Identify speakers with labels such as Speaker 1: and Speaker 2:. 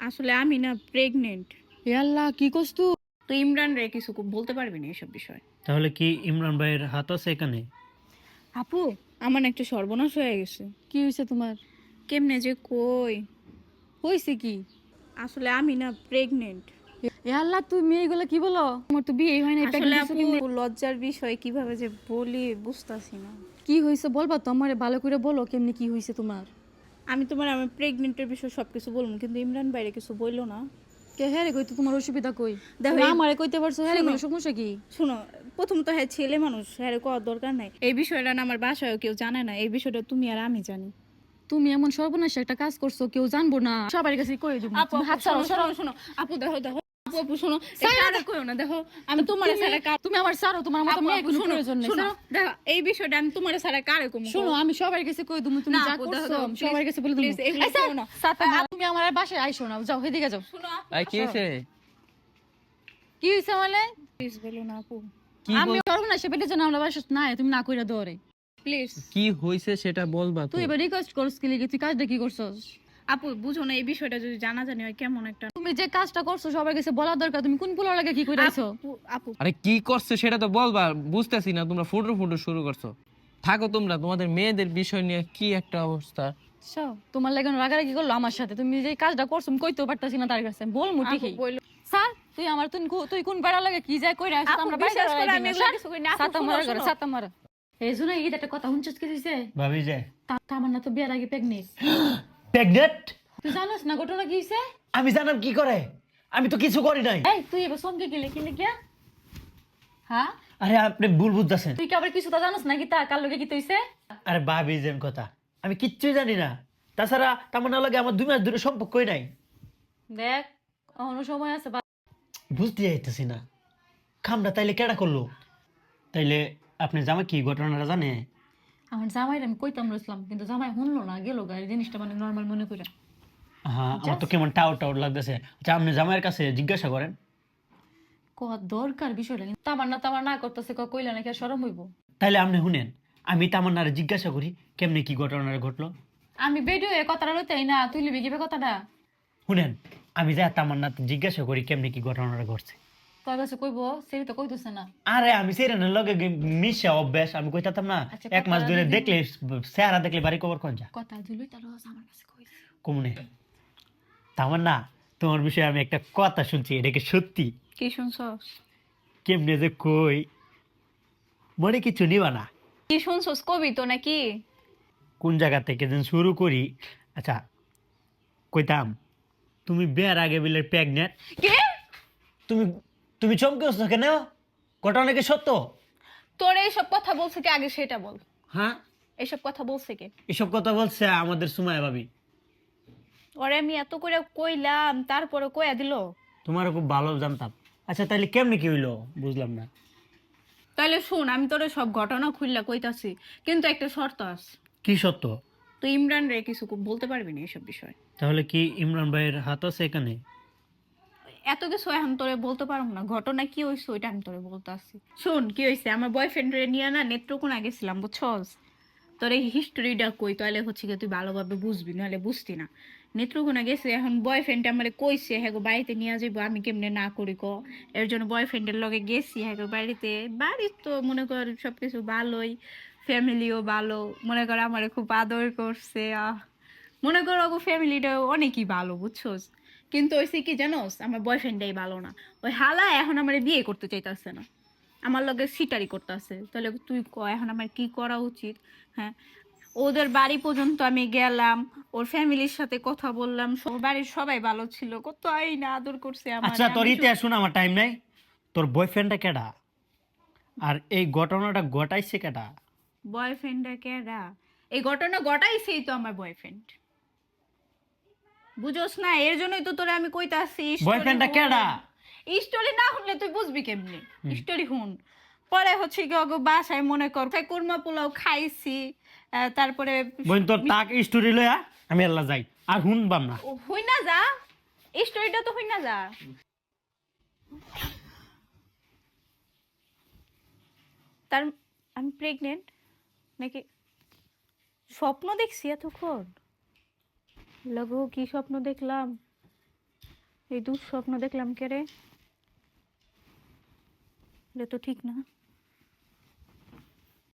Speaker 1: আসলে আমি না প্রেগনেন্ট।
Speaker 2: আল্লাহ কি করছ তুই?
Speaker 1: তো ইমরান রে কিছু বলতে পারবি না এসব বিষয়।
Speaker 3: তাহলে কি ইমরান ভাইয়ের হাত আছে এখানে?
Speaker 1: আপু, আমার না একটা সর্বনাশ হয়ে গেছে।
Speaker 2: কি হয়েছে তোমার?
Speaker 1: কেমনে যে কই।
Speaker 2: হয়েছে কি?
Speaker 1: আসলে আমি না প্রেগনেন্ট।
Speaker 2: আল্লাহ তুমি এগুলো কি বলো? তোমার তো বিয়ে হয় না,
Speaker 1: আসলে
Speaker 2: প্রেগন্যান্সি কেমনে?
Speaker 1: আপু লজ্জার বিষয়, কিভাবে যে বলি বুঝতাছি না।
Speaker 2: কি হয়েছে বলবা তো আমারে, ভালো করে বলো কেমনে কি হয়েছে তোমার।
Speaker 1: আমি তোমার আমার প্রেগনেন্টের বিষয় সবকিছু বলবো, কিন্তু ইমরান বাইরে কিছু বললো না।
Speaker 2: কে হ্যাঁ রে কই তো তোমার অসুবিধা কই?
Speaker 1: দেখো,
Speaker 2: তুমি আমারে কইতে পারছো হ্যাঁ রে,
Speaker 1: শোনো।
Speaker 2: বলে সমস্যা কি?
Speaker 1: শুনো, প্রথমত হ্যাঁ ছেলে মানুষ, হ্যাঁ করার দরকার নাই। এই বিষয়টা না আমার বাসায়ও কেউ জানে না, এই বিষয়টা তুমি আর আমি জানি।
Speaker 2: তুমি এমন সর্বনাশ একটা কাজ করছো, কেউ জানবো না, সবার কাছে কই দিব।
Speaker 1: আপু হাত ছাড়ো, শোনো শোনো আপু, দেখো দেখো আপু, আপু শোনো, এটা কইও না। দেখো আমি তোমার সারা কার,
Speaker 2: তুমি আমার ছাড়ো, তোমার মতো মেয়ে কোনো প্রয়োজন নেই।
Speaker 1: শোনো দেখো, এই বিষয়টা আমি তোমার সারা কারে কম।
Speaker 2: শোনো, আমি সবার কাছে কই তুমি, তুমি যা করছো সবার কাছে বলে দিমু। তুমি আমার বাসায় আইসো না, যাও এদিকে যাও।
Speaker 1: শোনো
Speaker 3: ভাই কি হয়েছে?
Speaker 2: কি হইছে মানে?
Speaker 1: প্লিজ বলো না আপু,
Speaker 2: আমি সর্বনাশ পেটে জন্য আমরা বাসা না, তুমি না কইরা দৌড়ে।
Speaker 1: প্লিজ।
Speaker 3: কি হয়েছে সেটা বলবা তো।
Speaker 2: তুই এবার রিকোয়েস্ট করছ কি লিগে? তুই কাজটা কি করছস?
Speaker 1: আপু বুঝো না, এই বিষয়টা যদি জানা জানি হয় কেমন একটা।
Speaker 2: তুমি যে কাজটা করছো সবার কাছে বলা দরকার, তুমি কোন পোলার লাগে কি কইরাইছো?
Speaker 1: আপু আপু
Speaker 4: আরে কি করছে সেটা তো বলবা, বুঝতেছি না। তোমরা ফুটো ফুটো শুরু করছো। থাকো তোমরা, তোমাদের মেয়েদের বিষয় নিয়ে কি একটা অবস্থা।
Speaker 2: তোমার লাগে রাগারাগি করলো আমার সাথে, তুমি যে কাজটা করছো আমি কইতেও পারতাছি না তার কাছে, বল মুটি
Speaker 1: আপু বললো।
Speaker 2: স্যার তুই আমার তুই কোন পাড়া লাগে কি যায় কইরা আসছ?
Speaker 1: আপু,
Speaker 2: আমরা
Speaker 1: বিশ্বাস করে আমি এগুলো কিছু করি না। আপু,
Speaker 2: সাতা
Speaker 1: শোনো,
Speaker 2: মারা
Speaker 1: শোনো।
Speaker 2: সাতা মারা এই জন্য এই একটা কথা হুনছিস কি দিছে?
Speaker 3: ভাবি যে
Speaker 2: আমার না তো বিয়ার আগে প্রেগনেন্ট।
Speaker 5: প্রেগনেন্ট?
Speaker 2: তুই জানিস না ঘটনা কি হইছে?
Speaker 5: আমি জানাম কি করে? আমি তো কিছু করি নাই।
Speaker 2: এই তুই এবার সঙ্গে গেলে কি লিখিয়া? হ্যাঁ,
Speaker 5: আরে আপনি ভুল বুঝতেছেন।
Speaker 2: তুই কি আবার কিছু তো জানিস না কি তা কার লগে কি হইছে?
Speaker 5: আরে ভাবি যেন কথা, আমি কিচ্ছুই জানি না। তাছাড়া তামান্নার লাগে আমার 2 মাস ধরে সম্পর্কই নাই।
Speaker 2: দেখ এখনো সময় আছে।
Speaker 5: বুঝতে যাইতেছি না খামটা তাইলে কেডা করলো?
Speaker 3: তাইলে আপনি জামাই কি ঘটনাটা জানে?
Speaker 2: আমার জামাইর আমি কইতাম রইছিলাম, কিন্তু জামাই শুনলো না, গেল গাড়ি জিনিসটা মানে নর্মাল মনে করে।
Speaker 3: হ্যাঁ, আমার তো কেমন টাউট টাউট লাগতেছে। আচ্ছা আপনি জামাইয়ের কাছে জিজ্ঞাসা করেন।
Speaker 2: দরকার বিষয়টা, কিন্তু তামার না করতেছে, কইলে নাকি আর শরম হইব।
Speaker 5: তাইলে আপনি শুনেন, আমি তামান্নারে জিজ্ঞাসা করি কেমনে কি ঘটনাটা ঘটলো।
Speaker 2: আমি বেডিও এ কথাটা লইতেই না, তুই লিবি কিবে কথাটা?
Speaker 5: শুনেন, আমি যা তামান্না জিজ্ঞাসা করি কেমনে কি ঘটনাটা ঘটছে।
Speaker 2: তোর কাছে কইব, সেটা তো কইতেছে না।
Speaker 5: আরে আমি সেরেনের লগে মিশা অভ্যাস, আমি কইতাম না।
Speaker 2: আচ্ছা,
Speaker 5: 1 মাস
Speaker 2: কথা
Speaker 5: ধরে
Speaker 2: যদি-
Speaker 5: দেখলে চেহারা দেখলে বাড়ি কবর কোন যা
Speaker 2: কথা দিলই তার আমার কাছে কইছে।
Speaker 5: কমনে। তামান্না, তোমার বিষয়ে আমি একটা কথা শুনছি, এটা কি সত্যি?
Speaker 1: কি শুনছস?
Speaker 5: কেমনে যে কই, মনে কিছু নিবা না।
Speaker 1: কি শুনছস কবি তো নাকি?
Speaker 5: কোন জায়গা থেকে যেন শুরু করি। আচ্ছা কইতাম, তুমি বিয়ার আগে বলে প্রেগনেন্ট।
Speaker 1: কে?
Speaker 5: তুমি তুমি চমকে উঠছো কেন? ঘটনা কি সত্য?
Speaker 1: তোর এইসব কথা বলছে কে আগে সেটা বল।
Speaker 5: হ্যাঁ,
Speaker 1: এইসব কথা বলছে কে?
Speaker 5: এসব কথা বলছে আমাদের সুমায়া ভাবি।
Speaker 1: ওরে আমি এত করে কইলাম, তারপরে কইয়া দিল।
Speaker 5: তোমারও খুব ভালো জানতাম। আচ্ছা তাইলে কেমনে কি হইলো বুঝলাম না।
Speaker 1: তাহলে শুন, আমি তোরে সব ঘটনা খুললা কইতাছি, কিন্তু একটা শর্ত আছে।
Speaker 5: কি সত্য?
Speaker 1: তুই ইমরান রে কিছু বলতে পারবি না এসব বিষয়।
Speaker 3: তাহলে কি ইমরান ভাইয়ের হাত আছে এখানে?
Speaker 1: এত কিছু এখন তোরে বলতে পারবো না, ঘটনা কি হয়েছে ওইটা আমি তোরে বলতে আসছি। শোন কি হয়েছে, আমার বয়ফ্রেন্ড রে নিয়ে না নেত্রকোনা গেছিলাম বুঝছস। তোর এই হিস্টোরিটা কই, তাহলে হচ্ছে কি তুই ভালোভাবে বুঝবি, নাহলে বুঝতি না। নেত্রকোনা গেছে, এখন বয়ফ্রেন্ড আমার কইছে হ্যাঁ গো বাড়িতে নিয়ে যাবো, আমি কেমনে না করি ক। এর জন্য বয়ফ্রেন্ডের লগে গেছি হ্যাঁ গো বাড়িতে। বাড়ির তো মনে কর সবকিছু ভালোই, ফ্যামিলিও ভালো, মনে কর আমার খুব আদর করছে। মনে করো ওগো ফ্যামিলিটা অনেকই ভালো বুঝছোস। কিন্তু ওইসে কি জানোস, আমার বয়ফ্রেন্ডটাই ভালো না। ওই হালা এখন আমার বিয়ে করতে চাইতেছে না, আমার লগে সিটারি করতেছে। তাহলে তুই ক এখন আমার কি করা উচিত? হ্যাঁ, ওদের বাড়ি পর্যন্ত আমি গেলাম, ওর ফ্যামিলির সাথে কথা বললাম, বাড়ির সবাই ভালো ছিল, কত না আদর করছে আমার।
Speaker 5: আচ্ছা তোর ইতিহাস শোনা আমার টাইম নাই। তোর বয়ফ্রেন্ডটা কেডা? আর এই ঘটনাটা ঘটাইছে কেডা?
Speaker 1: বয়ফ্রেন্ডটা কেডা? এই ঘটনা ঘটাইছেই তো আমার বয়ফ্রেন্ড, বুঝোস না? এর জন্যই তো তোরে আমি কইতাছি
Speaker 5: বয়ফ্রেন্ডটা কেডা?
Speaker 1: স্টোরি না শুনলে তুই বুঝবি কেমনি? স্টোরি শুন। পরে হচ্ছে কি ওগো বাসায় মনে কর কুরমা পোলাও খাইছি, তারপরে
Speaker 5: বোন তোর তাক স্টোরি লয়া আমি আল্লাহ যাই আর শুনবাম না।
Speaker 1: হই না যা, স্টোরিটা তো হই না যা। তার আমি প্রেগনেন্ট নাকি? স্বপ্ন দেখছি এতক্ষণ? লগো কি স্বপ্ন দেখলাম? এই দুঃস্বপ্ন দেখলাম কে রে? এটা তো ঠিক না।